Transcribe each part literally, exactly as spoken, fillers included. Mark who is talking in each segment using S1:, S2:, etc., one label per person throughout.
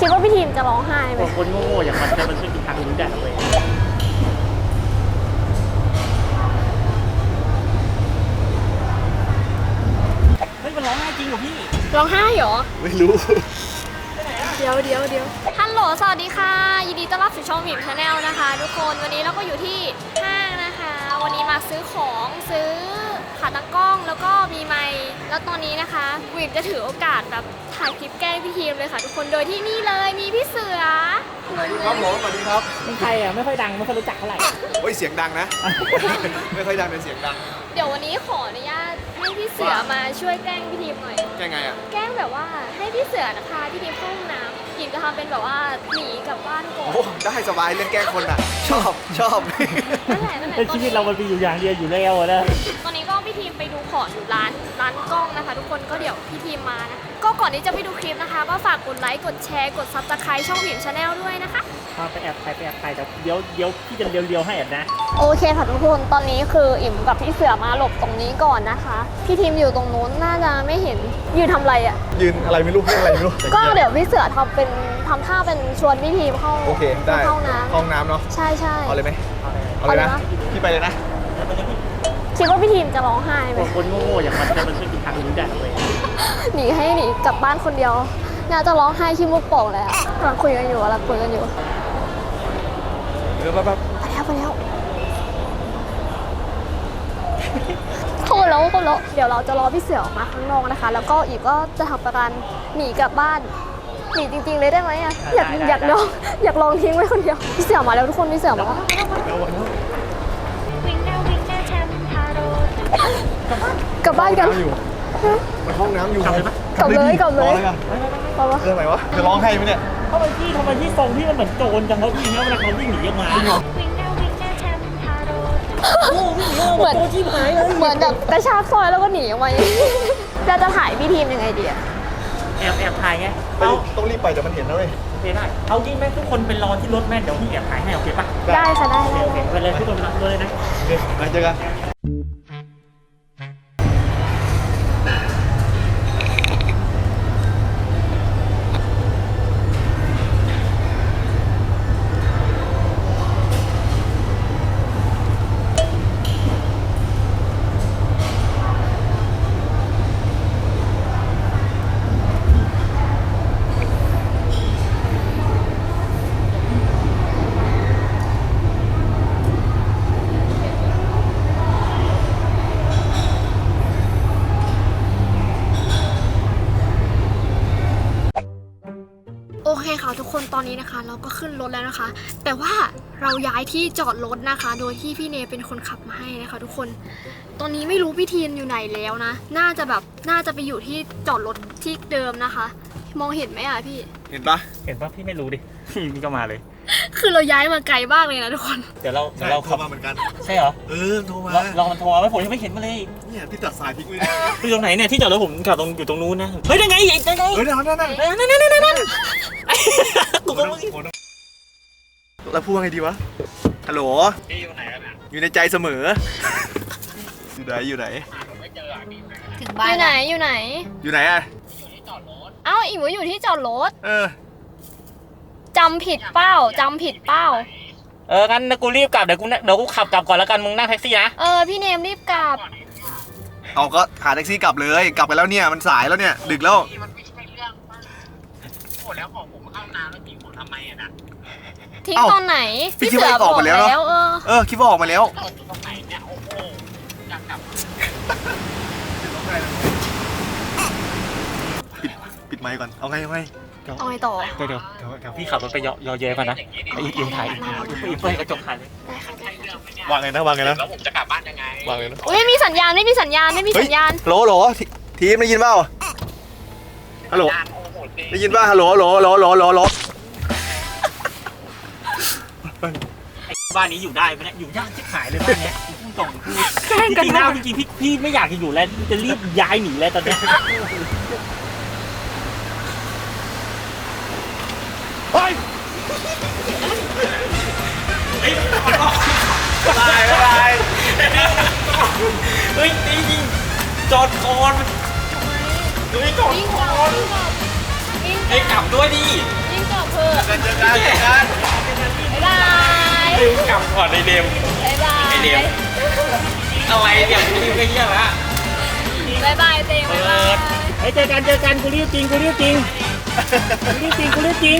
S1: คิดว่าพี่ทีมจะร้องไห้ไหม
S2: คนโง่ๆอย่างมันจะมันช่วยกินทางรู้ได้เลยเฮ้ยมันร้องไห้จริงเหรอพี่
S1: ร้องไห้เหรอ
S3: ไม่รู้
S1: เดี๋ยวเดี๋ยวเดี๋ยวฮัลโหลสวัสดีค่ะยินดีต้อนรับสู่ช่องหมิมชาแนลนะคะทุกคนวันนี้เราก็อยู่ที่ห้างนะคะวันนี้มาซื้อของซื้อขาตั้งกล้องแล้วก็มีไมค์แล้วตอนนี้นะคะหมิมจะถือโอกาสแบบถ่ายคลิปแกล้งพี่ทีมเลยค่ะทุกคนโดยที่นี่เลยมีพี่เสือ
S3: สวัสดีครับผมสวัสดีครับ
S2: เป็นใครอ่ะไม่ค่อยดังไม่ค่อยรู้จักเท่าไหร่
S3: โอ้ยเสียงดังนะไม่ค่อยดังแต่เสียงดัง
S1: เดี๋ยววันนี้ขออนุญาตให้พี่เสือมาช่วยแกล้งพี่ทีมหน่อย
S3: แกล้งไงอ่ะ
S1: แกล้งแบบว่าให้พี่เสือนะคะพี่ทีมเข้าห้องน้ำทีมจะทำเป็นแบบว่าหนีกลับบ้านก่อน
S3: โอ้ได้สบายเรื่องแกล้งคนอ่ะชอบชอบ
S1: นั่นแหละนั่นแหละ
S2: ชีวิตเรามันมีอยู่อย่างเดียวอยู่แล้วนะ
S1: ตอนนี้ก็พี่ทีมไปดูของอยู่ร้านร้านกล้องนะคะทุกคนก็เดี๋ยวพี่ทีมมานะก็ก่อนที่จะไปดูคลิปนะคะก็ฝากกดไลค์กดแชร์กดซับสไครต์ช่องหมิมชาแนลด้วยนะคะ
S2: ไปแอบถ่ายไปแอบถ่ายแต่เดี๋ยวเดี๋ยวพี่จะเรียวๆให้อ่ะนะ
S1: โอเคค่ะทุกคนตอนนี้คืออิ่มกับพี่เสือมาหลบตรงนี้ก่อนนะคะพี่ทีมอยู่ตรงนู้นน่าจะไม่เห็นยืนทำอะไรอ่ะ
S3: ยืนอะไรไม่รู้เรื่องอะไรไม่รู้
S1: ก็เดี๋ยวพี่เสือทำเป็นทำท่าเป็นชวนพี่ทีมเข้า
S3: โอเคได้
S1: เข้าน้ำ
S3: ห้องน้ำเนาะ
S1: ใช่ใช่
S3: เอาเลยไหมเอาเลยนะพี่ไปเลยนะ
S1: คิดว่าพี่ทีมจะร้องไห้ไหม
S2: คนโง่ๆอย่างมันจะมันช่วยกินทางรู้ได้เลย
S1: หนีให้หนีกลับบ้านคนเดียวน่าจะร้องไห้ขี้มุกโป่งแล้วกำลังคุยกันอยู่กำลังคุยกันอยู่
S3: เดี๋ยวแป๊บ
S1: ไปแล้วไปแล้วโคตรแล้วโคตรแล้วเดี๋ยวเราจะรอพี่เสือออกมาข้างนอกนะคะแล้วก็อีกก็จะทำประกันหนีกลับบ้านหนีจริงๆเลยได้ไหมอ่ะอยากอยากลองอยากลองทิ้งไว้คนเดียวพี่เสือมาแล้วทุกคนพี่เสือมาแล้วกลับบ้านกัน
S3: ห้องน้ำอยู่
S1: กลับเลยกลับเลย
S3: เรื่องไหนวะจะร้องให้ไหมเนี่ย
S2: ทำไมพี่ทำไมพี่ทรงพี่มันเหมือนโจรจังเขาพี่เนี่ยเวลาเขาวิ่งหนีออกมาเหมือน
S1: เหมือนแบบกระชากซอยแล้วก็หนีออกมาเราจะถ่ายพี่ทีมยังไงดีอะ
S2: แอบแอบถ่ายไง
S3: ต้องรีบไปเดี๋ยวมันเห็นแล้วเลย
S2: โอเคได้เอายิ่งแม่ทุกคนเป็นรอที่รถแม่เดี๋ยวพี่แอบถ่ายให้โอเคปะ
S1: ได้ค่ะได้
S2: โอเคไปเลยทุกคนไปเลยนะ
S3: โอเคไปเจอกัน
S1: โอเคค่ะทุกคนตอนนี้นะคะเราก็ขึ้นรถแล้วนะคะแต่ว่าเราย้ายที่จอดรถนะคะโดยที่พี่เนเป็นคนขับมาให้นะคะทุกคนตอนนี้ไม่รู้พี่ทีมอยู่ไหนแล้วนะน่าจะแบบน่าจะไปอยู่ที่จอดรถที่เดิมนะคะมองเห็นไหมอ่ะพี่
S3: เห็นปะ
S2: เห็นปะพี่ไม่รู้ดิพี่ก็มาเลย
S1: คือเราย้ายมาไกลมากเลยนะทุกคน
S2: เดี๋ยวเราเดี๋ยวเรา
S3: ขับมาเหมือนกัน
S2: ใช่เหรอ
S3: เออโทรมา
S2: ลองมันโทรมาผมยังไม่เห็นมาเลย
S3: เนี่ยพี่ตัดสายทิ้งไว้
S2: ที่ตรงไหนเนี่ยที่จอดรถผมขับตรงอยู่ตรงนู้นนะเฮ้ยยังไงยังไง
S3: เฮ้ยนั่นนั่นนั่น
S2: นั่นนั่นนั่นนั่นกูก็มึง
S3: แล้วพูดไงดีวะฮัลโหล
S2: อยู่ไหนกันอ่ะ
S3: อยู่ในใจเสมออยู่ไหนอยู่ไหน
S1: ถึงบ้านอยู่ไหนอยู่ไหน
S3: อยู่ไหนอ่ะ
S2: อยู่ที่จอดรถ
S1: เอ้าอีกว่าอยู่ที่จอดรถ
S3: เออ
S1: จำผิดเป้าจำผิดเป้า
S2: เอองั้นกูรีบกลับเดี๋ยวกูเดี๋ยวกูขับกลับก่อนแล้วกันมึงนั่งแท็กซี่นะ
S1: เออพี่เนมรีบกลับ
S3: เอาก็หาแท็กซี่กลับเลยกลับไปแล้วเนี่ยมันสายแล้วเนี่ยดึกแล้ว
S2: มันไม่ใช่เรื่องโอ้แล้วของผมเข้าน้ำแล้วทิ้งผมทำไมอ่ะนะ
S1: ทิ้งตอนไหน
S3: พี่คิดว่าออกมาแล้วเนาะเออคิดว่าออกมาแล้ว
S2: ตรงไหนเนี่ยโอ้โหอยากกลับ
S3: ปิดปิดไมค์ก่อนเอาไงเอาไง
S1: เอาไงต่อ
S2: เดี๋ยวเดี๋ยวเดี๋ยวพี่ขับรถไปยอยอเยก่อนนะไอ้อิมถ่ายอิมอิมเปิดกระจกถ่ายเล
S3: ยวางไงนะวางไงนะ
S2: แล้วผมจะกลับบ้านยังไง
S3: วางไงนะ
S1: ไม่มีสัญญาณไม่มีสัญญาณไม่มีสัญญาณ
S3: โหลโหลทีมได้ยินเปล่าฮัลโหลได้ยินป่ะฮัลโหลโหลโหลโหลโหลโหล
S2: ไอ้บ้านนี้อยู่ได้ไหมเนี่ยอยู่ยากชิบหายเลยบ้านนี้พุ่งตรงคือจริงๆแล้วจริงๆพี่พี่ไม่อยากจะอยู่แล้วจะรีบย้ายหนีแล้วตอนนี้
S3: เฮ้ยตายตาย
S2: เฮ้ยจริงจอดก่อนเฮ้ยจอดก่อนไอ้กลับด้วยดิ
S1: ยิ่งกลับ
S2: ม
S1: บ๊ายบาย
S2: ไอ้เดม อะไรเนี่ยกูรีบไม่เยี่ยมละ
S1: บ๊ายบายเต็มบ๊ายบาย
S2: เฮ้ยเจอกันเจอกันกูรีบจริงกูรีบจริงกูรีบจริงกูรีบจริง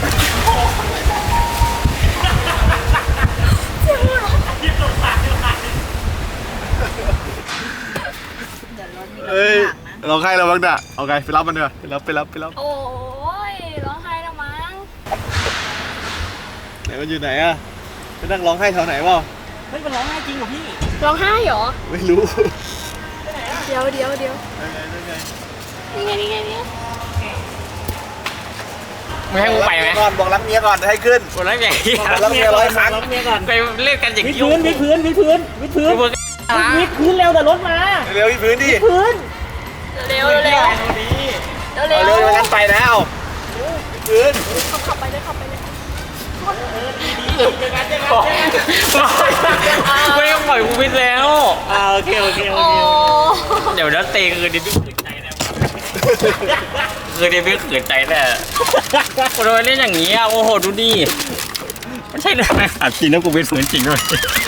S3: เอ้ยเราใครเราบ้างน่ะเอาไงไปรับมันเถอะไปรับไปรับไปรับ
S1: โอ้ยร้องไห้แล้วมั้ง
S3: ไหนมันอยู่ไหนอะไปนั่งร้องไห้แถวไหนเปล่า
S2: เฮ้ยมันร้องไห้จริงเหรอพี่
S1: ร้องไห้เหรอ
S3: ไม่รู้
S1: เดี๋ยวเดี๋ยวเดี๋ยว
S3: ยังไงยังไง
S1: นี่ไงนี่ไงนี่
S4: ไม่ให้กูไปไหม
S3: ก่อนบอกรักเมียก่อนให้ขึ้น
S4: คนนั้นอย่างนี้
S3: รักเมียร้อยครั้ง
S2: รักเมียก่อน
S4: ไปเล่นกันอย่าง
S2: วิด
S4: นี้
S2: พื้นวิดพื้นวิดพื้นวิดพื้น
S4: กูเพิ่ง
S2: วิดพื้นเร็วแต่รถมา
S3: เร็วที่พื้นดิ
S2: พื้น
S1: เร็วเร็วเร็ว
S3: เอา
S1: เร็ว
S3: เร็วงั้นไปแล้วพื้น
S1: ขับขับไปเลยขับไปเลย
S4: ไม่ต้องปล่อยกูวิทย์แล้ว
S2: อ่าโอเคโอเคโอ
S1: โอ้
S2: เค
S4: เดี๋ยวนัดเตะคืนนี้พี่ขืนใจแน่คืนนี้พี่ขืนใจแน่คนเราเล่นอย่างนี้อ่ะโอ้โหดูดิไม่ใช่เลยอัดจริงแล้วกูวิทย์ฝืนจริงด้วย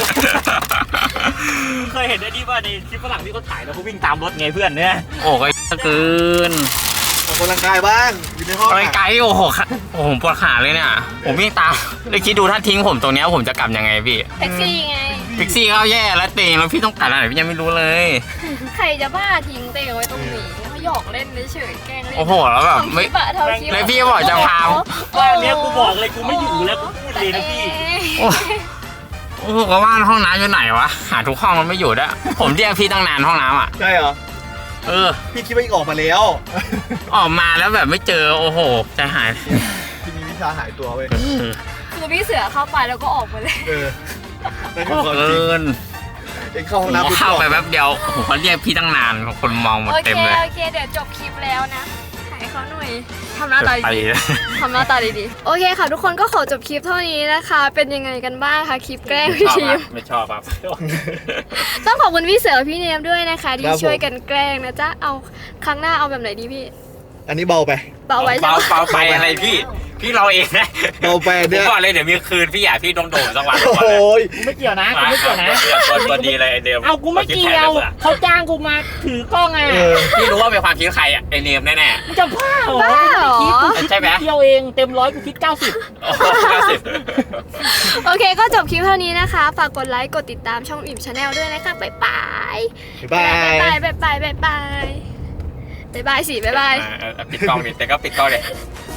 S2: เคยเห็นไอ้นี่ว่าในคลิปฝรั่งที่เขาถ่ายแล้วเขาวิ่งตามรถไงเพื่อนเนี่ย
S4: โอ้ก็เกิน
S3: ออกกำลังกายบ้างอยู่ในห้อง
S4: อะไรไกลโอ้โหค่ะโอ้โหผมปวดขาเลยเนี่ยผมวิ่งตามเลยคิดดูถ้าทิ้งผมตรงเนี้ยผมจะกลับยังไงพี่
S1: แท็กซี่ไง
S4: แท็กซี่ก็แย่แล้วเตงแล้วพี่ต้องกลับอะไรพี่ยังไม่รู้เลย
S1: ใครจะบ้าทิ้งเตงไว้ตรงนี้เขาหยอกเล่นเฉยๆแกล้งเล่น
S4: โอ้โหแล้วแบบไม่
S1: ทำคลิปอะทำคลิป
S4: แล้วพี่บอกจะพา
S2: บ้านเนี้ยกูบอกเลยกูไม่อยู่แล้วกูพูดเลยนะพี่
S4: โอ้โอ้โหก็ว่าห้องน้ำอยู่ไหนวะหาทุกห้องมันไม่อยู่ด้วยผมเรียกพี่ตั้งนานห้องน้ำอ่ะ
S3: ใช่เหรอ
S4: เออ
S3: พี่คิดว่าอีกออกมาแล้ว
S4: ออกมาแล้วแบบไม่เจอโอ้โหใจหาย
S3: พี่มีวิชาหายตัวเว้ย
S4: เออ
S1: คือพี่เสือเข้าไปแล้วก็ออกไปเลย
S3: เออนั่นคือความ
S4: เกิ
S3: จริง
S4: น
S3: เองเข้าห้อง
S4: ผม
S3: น้ำ
S4: เข้าไปแป๊บเดียวผมก็เรียกพี่ตั้งนานคนมองหมด
S1: โอ
S4: เต็
S1: เค
S4: มเลย
S1: โอเคเดี๋ยวจบคลิปแล้วนะถ่ายเขาหน่อยทำหน้าตา
S4: ไป
S1: ดีๆทำหน้าตาดีๆโอเคค่ะ ทุกคนก็ขอจบคลิปเท่านี้นะคะ เป็นยังไงกันบ้างคะคลิปแกล้งพี่ทีม
S4: ไม่ชอบครับ
S1: ต้องขอบคุณพี่เสือพี่เนมด้วยนะคะ ที่ช่วยกันแกล้งนะจ๊ะเอาครั้งหน้าเอาแบบไหนดีพี่
S3: อันนี้เบาไป
S1: เบาไว้ใช่
S4: เบา
S1: ไหม
S4: เบาไปอะไรพี่พี่เราเองนะ
S3: เบาไป
S4: ผม
S3: เนี่ย
S4: บอกเลยเดี๋ยวมีคืนพี่อยากพี่โดนโดนสักวัน
S3: โอ้โหย
S2: กูไม่เกี่ยวนะกู
S4: มา
S2: ไม่เกี่ยวนะ
S4: ตัวตัวดีเลยไอเดม
S2: เอากูไม่เกี่ยวเขาจ้างกูมาถือกล้องไง
S3: เออ
S4: พี่รู้ว่าเป็นความคิดใครอ่ะไอเนมแน่
S2: มึงจะบ้าเหรอ
S1: บ้าเหรอ
S2: คิดกูคิด
S4: ใช่ไหม
S2: เที่ยวเองเต็มร้อยกูคิดเก้าสิบ
S4: ๆโอ้โหเก้าสิบ
S1: โอเคก็จบคลิปเท่านี้นะคะ ฝากกดไลค์กดติดตามช่องอิ่มชาแนลด้วยนะคะบ๊ายบาย
S3: บ๊ายบาย
S1: บ๊ายบายบ๊ายบายบ๊ายบายบ๊ายบายสิบ๊ายบาย
S4: อ่าเออปิดกล้องดิแต่ก็ปิดกล้องเลย
S1: บ